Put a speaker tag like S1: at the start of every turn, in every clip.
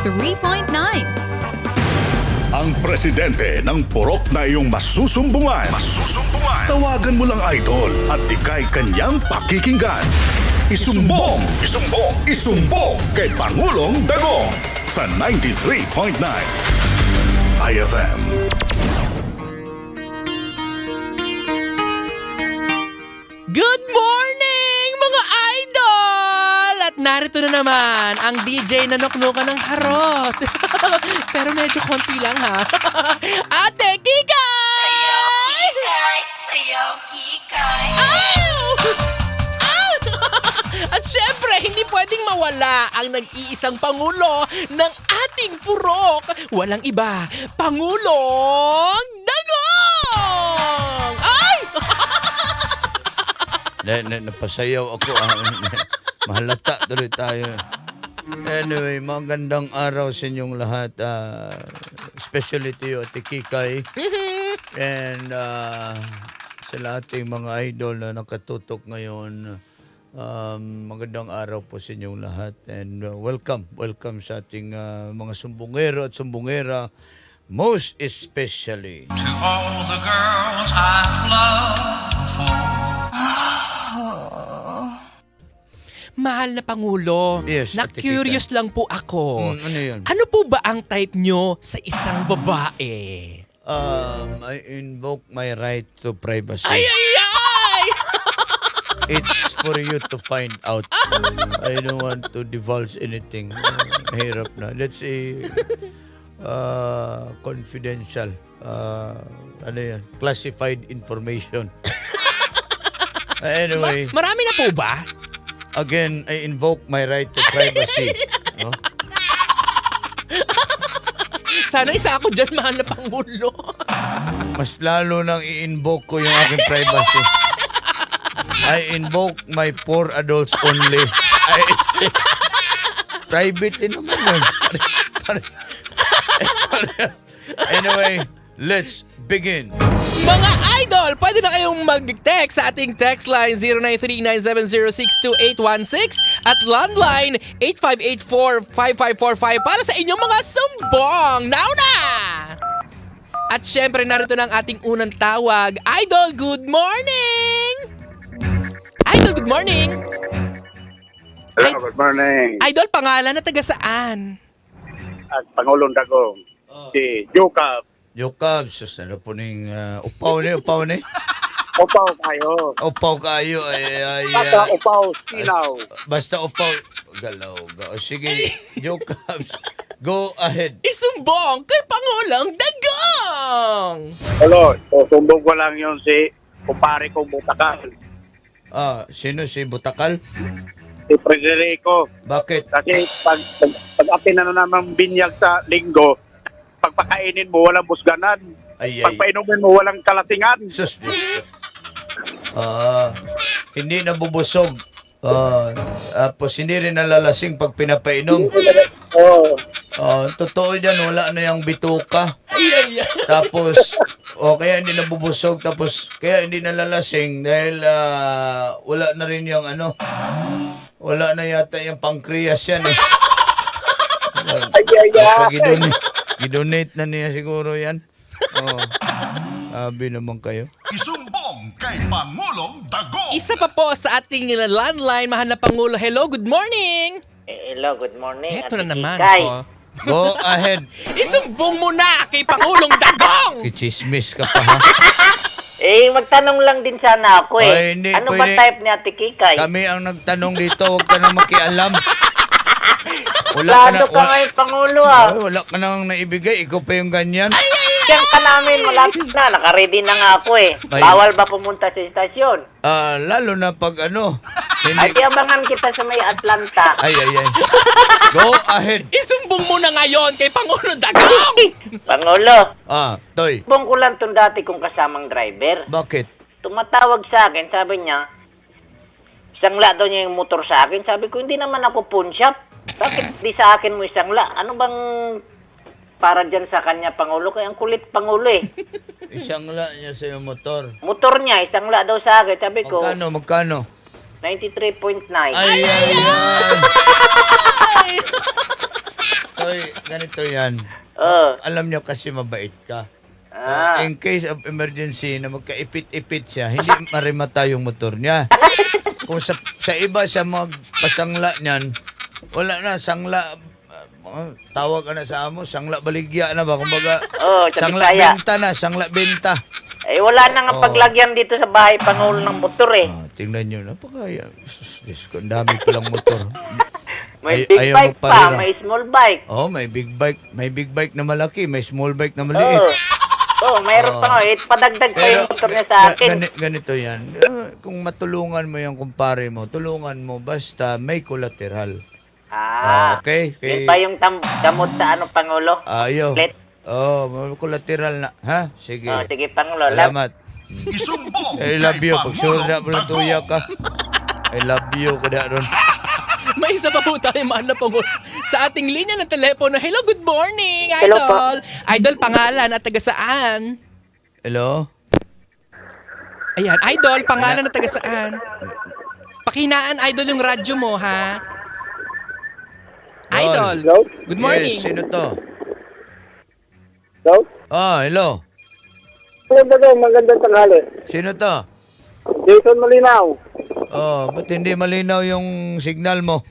S1: 93.9.
S2: Ang presidente ng purok na iyong masusumbungan. Tawagan mo lang idol at ikay kanyang pakikinggan. Isumbong kay Pangulong Dagong sa 93.9 IFM.
S3: Good morning, mga idol! At narito na naman ang DJ na nuknukan ng harot. Pero medyo konti lang, ha? Ate Kikay!
S4: Sayo, Kikay.
S3: Ow! Ow! At syempre, hindi pwedeng mawala ang nag-iisang pangulo ng ating purok. Walang iba, Pangulong Dagong! Ay!
S5: Napasayaw ako. Mahalata tuloy tayo. Anyway, magandang araw sa inyong lahat. Especially to you, Ate Kikay. And sa lahat ng mga idol na nakatutok ngayon, magandang araw po sa inyong lahat. And welcome sa ating mga sumbongero at sumbongera. Most especially
S6: To all the girls I've loved before.
S3: Mahal na Pangulo,
S5: Yes, Ate
S3: na-curious lang po ako.
S5: ano yun?
S3: Ano po ba ang type nyo sa isang babae?
S5: I invoke my right to privacy.
S3: Ay, ay, ay!
S5: It's for you to find out. I don't want to divulge anything. Mahirap na. Let's say confidential. Ano yan? Classified information. Anyway,
S3: Marami na po ba?
S5: again, I invoke my right to privacy. No?
S3: Sana isa ako dyan, mahal na Pangulo.
S5: Mas lalo nang i-invoke ko yung aking privacy. I invoke my poor adults only. Private din naman yun. Anyway, let's begin.
S3: Mga idol, pwede na kayong mag-text sa ating text line 0939-706-2816 at landline 8584-5545 para sa inyong mga sumbong. Now na! At syempre, narito na ang ating unang tawag. Idol, good morning! Idol, good morning!
S7: Hello, good morning.
S3: Idol, pangalan na taga saan?
S7: At Pangulong Dagong, si Jukab.
S5: Yokab, sus, ano po ning upaw ni?
S7: Upaw kayo.
S5: Upaw kayo. Ay.
S7: Basta upaw, sinaw.
S5: Basta upaw. Galaw. O sige, Yokab, go ahead.
S3: Isumbong kay Pangulong Dagong!
S7: Hello, susumbong ko lang yun si kumpare kong Butakal.
S5: Sino si Butakal?
S7: Si Frederico.
S5: Bakit?
S7: Kasi pag atin na naman binyag sa linggo, pagpakainin mo, walang busganan.
S5: Ay.
S7: Pagpainumin mo, walang kalasingan.
S5: Sus. Hindi nabubusog. Tapos hindi rin nalalasing pag pinapainom.
S7: Oo.
S5: Totoo yan, wala na yung bituka.
S3: Ay.
S5: Tapos, kaya hindi nabubusog. Tapos, kaya hindi nalalasing dahil wala na rin yung wala na yata yung pancreas yan eh. Gidonate na niya siguro yan. Sabi naman kayo.
S2: Isumbong kay Pangulong Dagong.
S3: Isa pa po sa ating landline, mahal na Pangulo. Hello, good morning!
S8: Hello, good morning.
S3: Eto na
S8: Ate
S3: naman
S8: Kikay.
S3: po.
S5: Go ahead.
S3: Isumbong mo na kay Pangulong Dagong!
S5: Kichismis ka pa ha.
S8: Magtanong lang din sana ako
S5: Ay, hindi,
S8: Ano ba
S5: pwede.
S8: type ni Ate Kikay?
S5: Kami ang nagtanong dito, huwag ka nang makialam.
S8: Plano ka ngayon, Pangulo
S5: Wala ka nang naibigay, ikaw pa yung ganyan.
S8: Diyan ka namin, malapit na. Nakaready na nga ako
S5: Ay.
S8: Bawal ba pumunta sa istasyon?
S5: Lalo na pag
S8: Ay, abangan kita sa may Atlanta.
S5: Ay. Go ahead.
S3: Isumbong mo na ngayon kay Pangulong Dagong!
S8: Pangulo,
S5: Toy,
S8: bong ko lang itong dati kong kasamang driver.
S5: bakit?
S8: Tumatawag sa akin, sabi niya, isangla daw niya yung motor sa akin. Sabi ko, hindi naman ako pawn shop. Bakit di sa akin mo isangla? Ano bang para dyan sa kanya, Pangulo? Kaya ang kulit, Pangulo
S5: Isangla niya sa yung motor.
S8: Motor niya, isangla daw sa akin. Sabi ko,
S5: Magkano?
S8: 93.9.
S5: Ay. ganito yan.
S8: Oh.
S5: Alam niyo kasi mabait ka.
S8: Ah.
S5: In case of emergency na magkaipit-ipit siya, hindi marimata yung motor niya. Kung sa iba siya magpasangla niyan, wala na, sangla, tawag ka na sa amo, sangla baligya na ba? Kumbaga,
S8: sa
S5: sangla
S8: Bisaya.
S5: benta na, sangla benta.
S8: Eh, wala na nga paglagyan dito sa bahay Pangulo ng motor eh.
S5: Tingnan nyo, napakaya. Diyos ko, ang dami palang motor.
S8: May
S5: Ay-
S8: big
S5: ayaw
S8: bike pa,
S5: magpahiram.
S8: may small bike.
S5: Oh, may big bike. May big bike na malaki, may small bike na maliit.
S8: Mayroon pa nga. Padagdag pa yung motor niya sa akin.
S5: Ganito yan. Kung matulungan mo yung kumpare mo, tulungan mo basta may collateral. Okay?
S8: Yun pa yung gamot sa Pangulo.
S5: Ayaw.
S8: Let.
S5: May collateral na. Ha? Sige.
S8: Sige, Pangulo.
S5: Salamat.
S2: Isumbong
S5: I love
S2: kay
S5: you. Pag sure na
S2: Pangulong
S5: mo
S2: Dagong.
S5: tuya ka. I love you kada ron.
S3: May isa pa po tayo, mahal na Pangulo. Sa ating linya ng telepono. Hello, good morning,
S8: Hello po.
S3: Idol. Idol, pangalan at taga saan?
S5: Hello?
S3: Ayan, Idol, pangalan at taga saan? Pakinaan, Idol, yung radyo mo, ha? Idol,
S7: Hello?
S3: good morning.
S5: Yes, sino to?
S7: Hello?
S5: Hello.
S7: Magandang tanghali.
S5: Sino to?
S7: Jason Malinaw.
S5: Ba't hindi malinaw yung signal mo?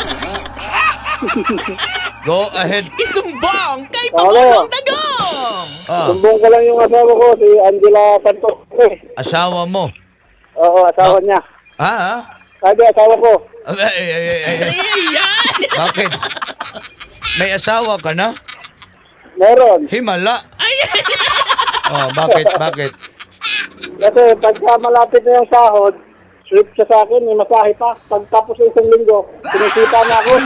S5: Go ahead.
S3: Isumbong kay Pangulong Dagong!
S7: Sumbong ko lang yung asawa ko, si Angela Santos.
S5: Asawa mo.
S7: Oo, asawa niya.
S5: Ha?
S7: Sabi, asawa ko.
S3: Ayan!
S5: Bakit? May asawa ka na?
S7: Meron.
S5: Himala.
S3: Ayan!
S5: Bakit?
S7: Kasi pagka malapit na yung sahod, sweep siya sa akin, may masahe pa. Pagtapos ng isang linggo, sinisita na ako.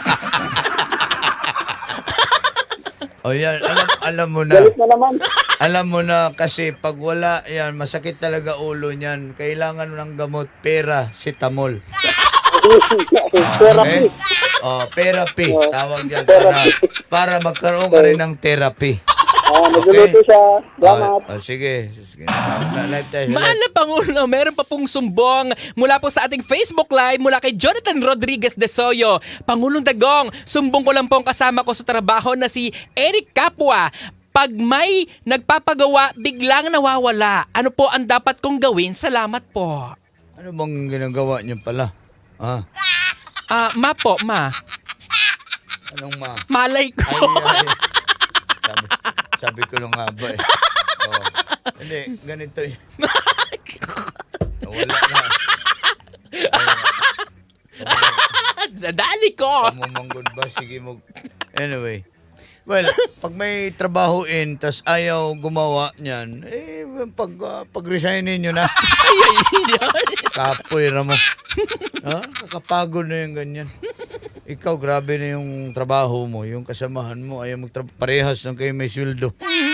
S5: Yan, alam mo na.
S7: Galit na naman.
S5: Alam mo na kasi pag wala yan, masakit talaga ulo niyan. Kailangan ng gamot, pera, sitamol.
S7: Therapy.
S5: Therapy. Tawag yan
S7: Therapy.
S5: para magkaroon ka rin ng therapy.
S7: Nagluluto siya. Salamat.
S5: Sige. Live tayo.
S3: Mahal na Pangulo, meron pa pong sumbong mula po sa ating Facebook Live mula kay Jonathan Rodriguez de Soyo. Pangulong Dagong, sumbong ko lang po ang kasama ko sa trabaho na si Eric Capua. Pag may nagpapagawa, biglang nawawala. Ano po ang dapat kong gawin? Salamat po.
S5: Ano bang ginagawa niyo pala?
S3: Ma po, ma.
S5: Anong ma?
S3: Malay ko.
S5: Ay. Sabi ko lang nga ba eh. Hindi, ganito eh. Wala na.
S3: Nadali ko.
S5: Pamumanggod ba? Sige mo. Anyway. Well, pag may trabahoin, tas ayaw gumawa niyan, pag-resignin nyo na. Kapoy na mo. Kakapagod na yung ganyan. Ikaw, grabe na yung trabaho mo, yung kasamahan mo, ayaw parehas ng kayo may sweldo.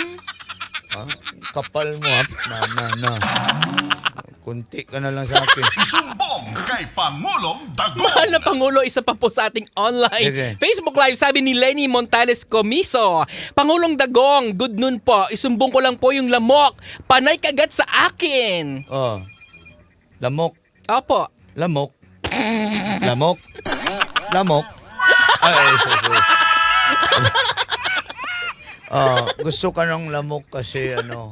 S5: Kapal mo, na. Kunti ka na lang sa akin.
S2: Isumbong kay Pangulong Dagong.
S3: Mahal na Pangulo, isa pa po sa ating online
S5: Sige.
S3: Facebook Live. Sabi ni Lenny Montales Comiso, Pangulong Dagong, good noon po. Isumbong ko lang po yung lamok. Panay kagat sa akin.
S5: Lamok.
S3: Opo.
S5: Lamok. Ay, sorry. Gusto ka ng lamok kasi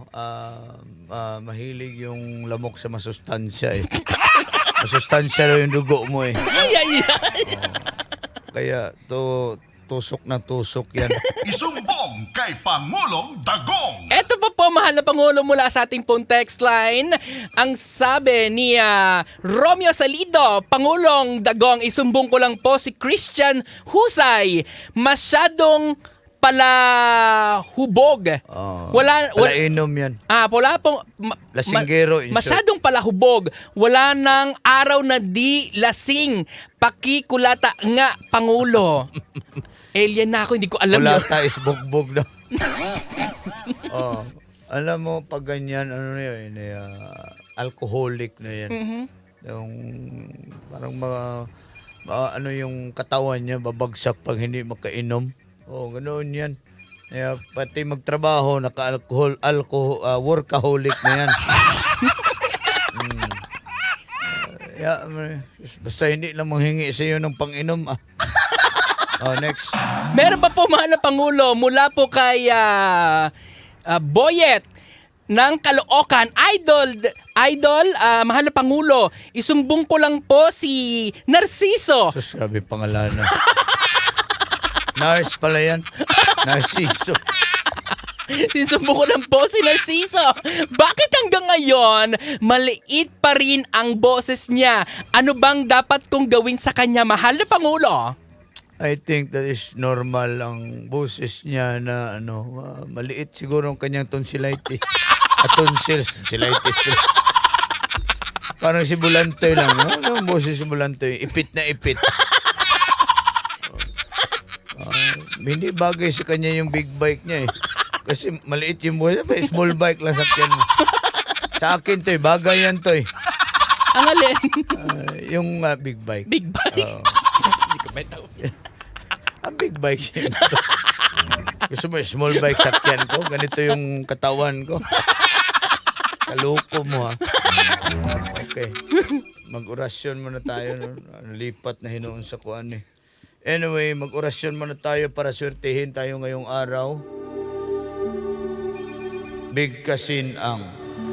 S5: mahilig yung lamok sa masustansya eh. Masustansya raw yung dugo mo eh.
S3: Ay.
S5: Kaya tusok na tusok yan.
S2: Isumbong kay Pangulong Dagong.
S3: Eto pa po, mahal na Pangulo, mula sa ating phone text line. Ang sabi ni Romeo Salido, Pangulong Dagong, isumbong ko lang po si Christian Husay. Masyadong palahubog.
S5: Palainom yan.
S3: Wala pong
S5: Lasinggero, in short.
S3: masyadong palahubog. Wala nang araw na di lasing. Pakikulata nga, Pangulo. Alien na ako, hindi ko alam yun.
S5: Kulata is bugbog daw. Alam mo, pag ganyan, alcoholic na yan. Yung parang yung katawan niya babagsak pag hindi makainom. Ganoon yan. Kaya pati magtrabaho, naka-alcohol, workaholic na yan. Basta hindi lang manghingi sa iyo ng pang-inom. Oh, next.
S3: Meron pa po mahal na Pangulo mula po kay Boyet ng Caloocan. Idol, mahal na Pangulo, isumbong ko lang po si Narciso.
S5: Sus, grabe pangalan na. Nars pala yan. Narciso.
S3: Sinusumbong ko lang po si Narciso. Bakit hanggang ngayon, maliit pa rin ang boses niya? Ano bang dapat kong gawin sa kanya, mahal na Pangulo?
S5: I think that is normal ang boses niya na maliit siguro ang kanyang tonsillitis. Tonsillitis. Parang si Bulantoy lang. Ano ang boses si Bulantoy? Ipit na ipit. Hindi bagay sa kanya yung big bike niya eh. Kasi maliit yung boses. Small bike lang sakyan mo. Sa akin to bagay yan to
S3: Ang alin?
S5: Yung big bike.
S3: Big bike? Hindi ko may tao.
S5: Ang big bike siya. Gusto mo small bike sakyan ko? Ganito yung katawan ko. Kaloko mo ha. Okay. Mag-orasyon muna tayo. Lipat na hinoon sa kuan eh. Anyway, mag-orasyon muna tayo para swertihin tayo ngayong araw. Bigkasin ang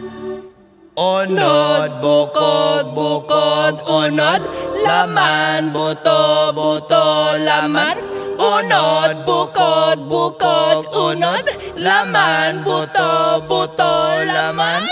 S5: onod, bukod, unod, laman, buto, laman, unod, bukod, unod, laman, buto, laman.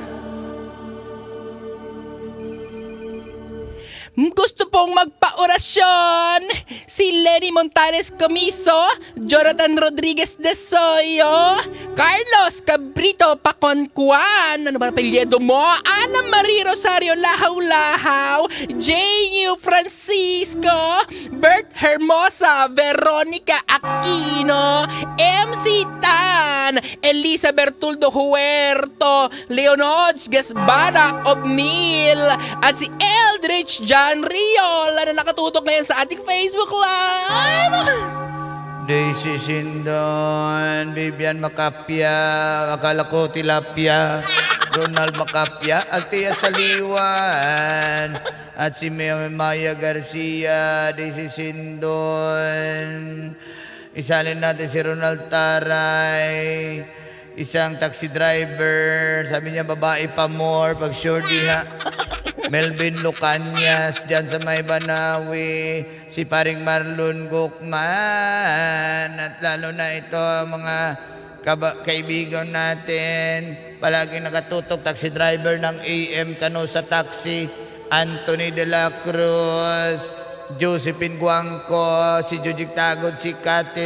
S3: Gusto pong magpa-orasyon si Lenny Montanes Comiso, Jonathan Rodriguez de Soyo, Carlos Cabrito Paconcuan, ano ba ang apelyido mo? Ana Marie Rosario Lahaw-Lahaw, Jane Francisco, Bert Hermosa, Veronica Aquino, MC Tan, Elisa Bertuldo Huerto, Leonoj Gasbara Obmil, at si Eldridge John Riola na nakatutok ngayon sa ating Facebook Live.
S5: Daisy Sindon, Vivian Macapia, akala ko tilapia, Ronald Macapia, Altia Saliwan, at si Maya Garcia, Daisy Sindon. Isalin natin si Ronald Taray, isang taxi driver, sabi niya babae pa more, pag sure diha. Melvin Lucanyas dyan sa May Banawi, si paring Marlon Gukman, at lalo na ito mga kaibigan natin, palagi nakatutok, taxi driver ng AM Canosa Taxi, Anthony De La Cruz, Josephine Guangco, si Jujik Tagod, si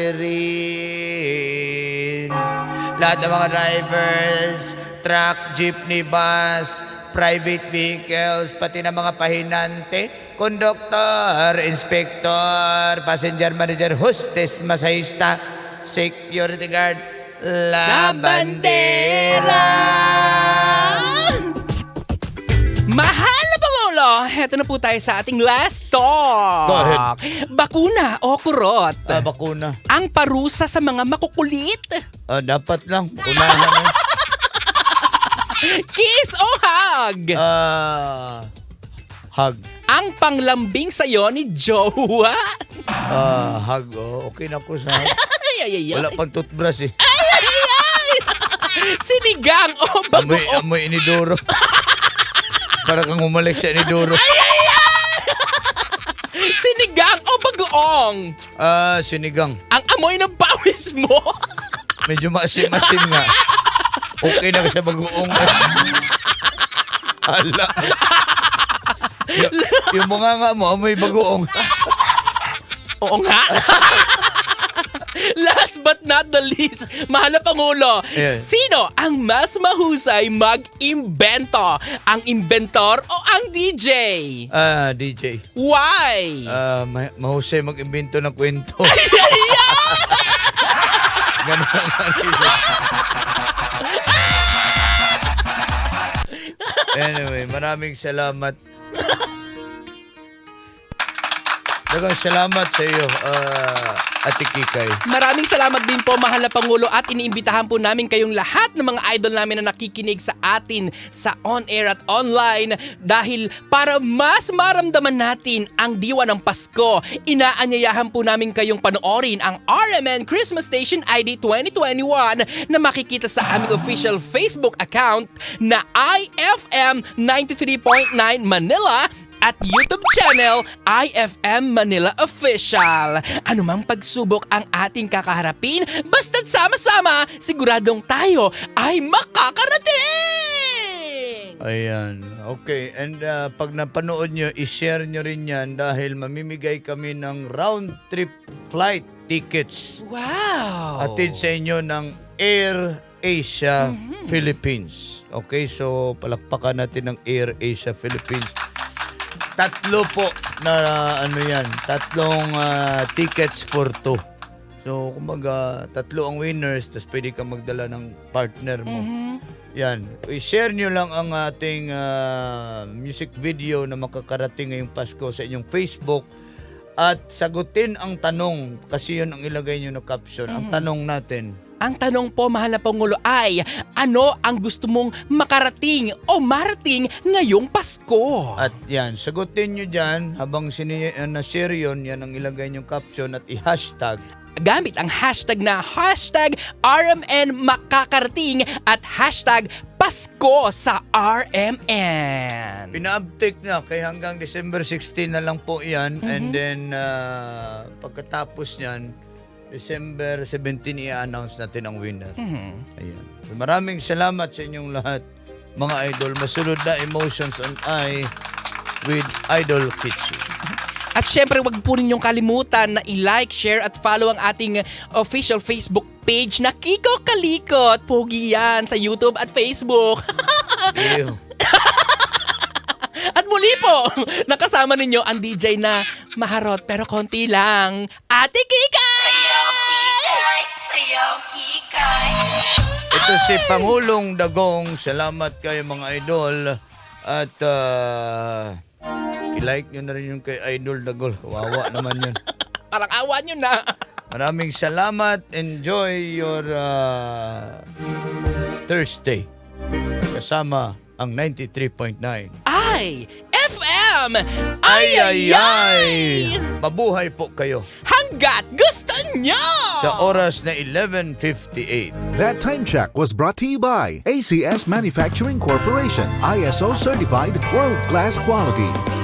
S5: Catherine, lahat ng mga drivers, truck, jeepney, bus, private vehicles, pati na mga pahinante, conductor, inspector, passenger manager, hostess, masahista, security guard, la bandera.
S3: Mahal na Pangulo, heto na po tayo sa ating last talk.
S5: Go ahead.
S3: Bakuna o kurot?
S5: Bakuna.
S3: Ang parusa sa mga makukulit.
S5: Dapat lang, bakunahan eh.
S3: Kiss o hug?
S5: Hug.
S3: Ang panglambing sa'yo ni Jowa.
S5: Hug. Okay na ko sa hug.
S3: Ay.
S5: Wala pang toothbrush eh.
S3: Ay! Sinigang o bagoong?
S5: Amoy inidoro. Para kang umalik sa inidoro.
S3: Sinigang o bagoong?
S5: Sinigang.
S3: Ang amoy ng pawis mo.
S5: Medyo masim-masim nga. Okay na kasi bagoong. Hala. Yung mga nga mo, amoy bagoong.
S3: Oo nga. Last but not the least, mahal na Pangulo,
S5: Yeah.
S3: sino ang mas mahusay mag-imbento? Ang inventor o ang DJ?
S5: DJ.
S3: Why?
S5: Mahusay mag-imbento ng kwento. Ganun ang DJ. Anyway, maraming salamat. Dagang salamat sa iyo, Ate Kikay.
S3: Maraming salamat din po, mahal na Pangulo, at iniimbitahan po namin kayong lahat ng mga idol namin na nakikinig sa atin sa on-air at online dahil para mas maramdaman natin ang diwa ng Pasko, inaanyayahan po namin kayong panoorin ang RMN Christmas Station ID 2021 na makikita sa aming official Facebook account na IFM 93.9 Manila at YouTube channel IFM Manila Official. Anumang pagsubok ang ating kakaharapin, basta't sama-sama, siguradong tayo ay makakarating!
S5: Ayan. Okay. And pag napanood nyo, i-share nyo rin yan dahil mamimigay kami ng round trip flight tickets.
S3: Wow!
S5: Atid sa inyo ng Air Asia Philippines. Okay, so palakpakan natin ng Air Asia Philippines. Tatlo po na tatlong tickets for two. So, kumbaga, tatlo ang winners, tapos pwede ka magdala ng partner mo. Yan. I-share nyo lang ang ating music video na makakarating ngayong Pasko sa inyong Facebook at sagutin ang tanong, kasi yun ang ilagay nyo na caption. Ang tanong natin,
S3: Ang tanong po, mahal na Pangulo, ay ano ang gusto mong makarating o marating ngayong Pasko?
S5: at yan, sagutin nyo dyan habang na-share yun, yan ang ilagay nyo caption at i-hashtag.
S3: Gamit ang hashtag na hashtag RMN makakarating at hashtag Pasko sa RMN.
S5: Pina-update na kaya hanggang December 16 na lang po yan. And then pagkatapos yan, December 17 i-announce natin ang winner. Ayan. So, maraming salamat sa inyong lahat, mga idol. Masunod na Emotions on I with Idol Kitchi.
S3: At syempre, wag po ninyong kalimutan na i-like, share at follow ang ating official Facebook page na Kiko Kalikot. Pogi yan sa YouTube at Facebook.
S5: Ew.
S3: At muli po, nakasama ninyo ang DJ na maharot pero konti lang, Ate Kika!
S4: Sayo Kikay, sayo Kikay.
S5: Ito si Pangulong Dagong. Salamat kayo, mga idol. At i-like nyo na rin yung kay Idol Dagol. Kawawa naman yun.
S3: Parang awa nyo na.
S5: Maraming salamat. Enjoy your Thursday. Kasama ang 93.9.
S3: Ay! FM!
S5: Mabuhay po kayo
S3: Hanggat gusto nyo!
S5: sa oras na 11:58.
S1: That time check was brought to you by ACS Manufacturing Corporation, ISO certified world-class quality.